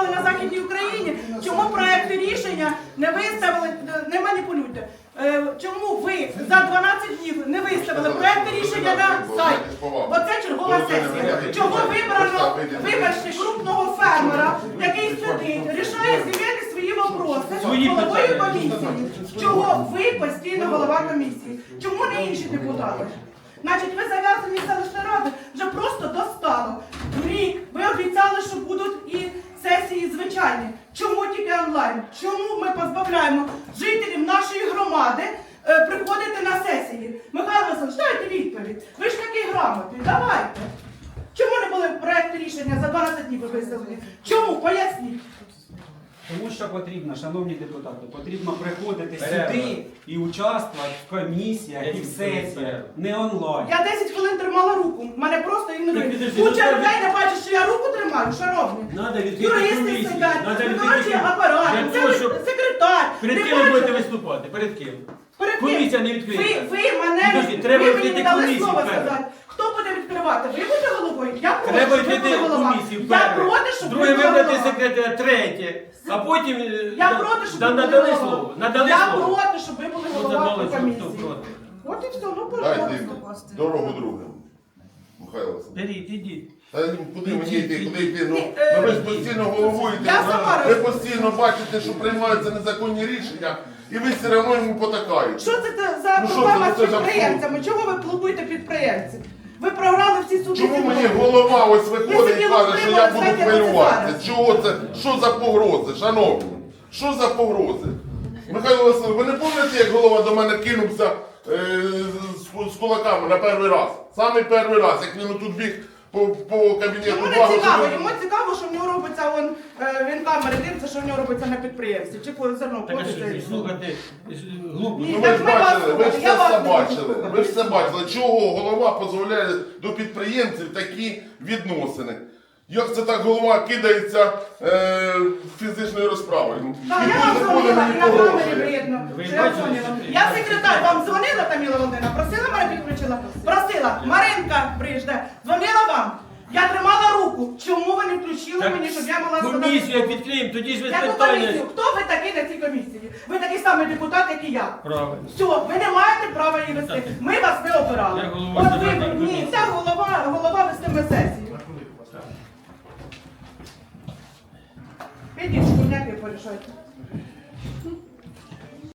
працювали на Західній Україні, чому проекти рішення не виставили, не маніпулюйте. Чому ви за 12 днів не виставили проекти рішення на сайт? Оце чергова сесія. Чого вибрано, вибачте, крупного фермера, який сидить, рішає земельні свої вопроси з головою комісії? Чого ви постійно голова комісії? Чому не інші депутати? Значить, ви зав'язані селищної ради вже просто достало. Рік ви обіцяли, що будуть і сесії звичайні. Чому тільки онлайн? Чому ми позбавляємо жителів нашої громади приходити на сесії? Михайло Васильович, дайте відповідь. Ви ж такий грамотний, давайте. Чому не були проекти рішення за 12 днів виставлені? Чому? Поясніть. Тому що потрібно, шановні депутати, потрібно приходити сюди і участвувати в комісіях і в сесіях, не онлайн. Я 10 хвилин тримала руку, мене просто ігнорують. Куча людей не бачить, що я руку тримаю, шановні. Юристи сидять, виконавчий апарат, секретар. Перед ким ви будете виступати? Перед ким? Комісія не відкриє. Ви мені не дали слово сказати. Хто буде відкривати? Ви будете головою? Я проти, Треба щоб ви були відкрити голова. комісію. Я проти, щоб ви Друге були вибрати голова. секретаря, третє. А потім Я проти, щоб ви були надали голова. слово. Надали Я слово. проти, щоб ви були голова по комісії. проти. От і все, ну Дайте пожалуйста. дорогу другим. Михайло Васильович. Беріть, ідіть. Та куди мені йти, куди йти? Ну, Ні, ви ж постійно головуєте, я сама ви постійно бачите, що приймаються незаконні рішення, і ви все одно йому потакаєте. Що це за Ну, що проблема це? з Це ж підприємцями? Чого ви плубуєте підприємців? Ви програли всі суди. Чому мені голова ось виходить і каже, що я буду хвилюватися? Чого це? Що за погрози, шановні? Що за погрози? Михайло Васильович, ви не пам'ятаєте, як голова до мене кинувся з кулаками на перший раз? Саме перший раз, як він тут біг по кабінету. Йому не цікаво, йому цікаво, що в нього робиться, він камери дивиться, що в нього робиться на підприємстві. Чи по зерно Так, а ходиться. що, слухайте, глупо. Ні. Ну ви Так ж ми вас бачили, ви ж слухали, я все вас не бачили. слухала. Ви ж все бачили. Чого голова дозволяє до підприємців такі відносини? Як це так голова кидається фізичною розправою? Так, Ніхто я вам не дзвонила, ходить, і на ніхто камері робить. видно, Ви що я бачили, дзвонила. що- Я секретар, вам дзвонила, Таміла Володимирівна, просила мене підключила? Просила. Маринка Брижде, дзвонила вам? Я тримала руку. Чому ви не включили Так, мені, щоб я могла сказати? комісію як відкриємо, тоді ж ви Яку питання. комісію? Хто ви такий на цій комісії? Ви такий самий депутат, як і я. Правильно. Все, ви не маєте права її вести. Ми вас не обирали. Я голова От земельної ви, ні, комісії. ця голова вестиме сесію. Підіть, шкурняки порішайте.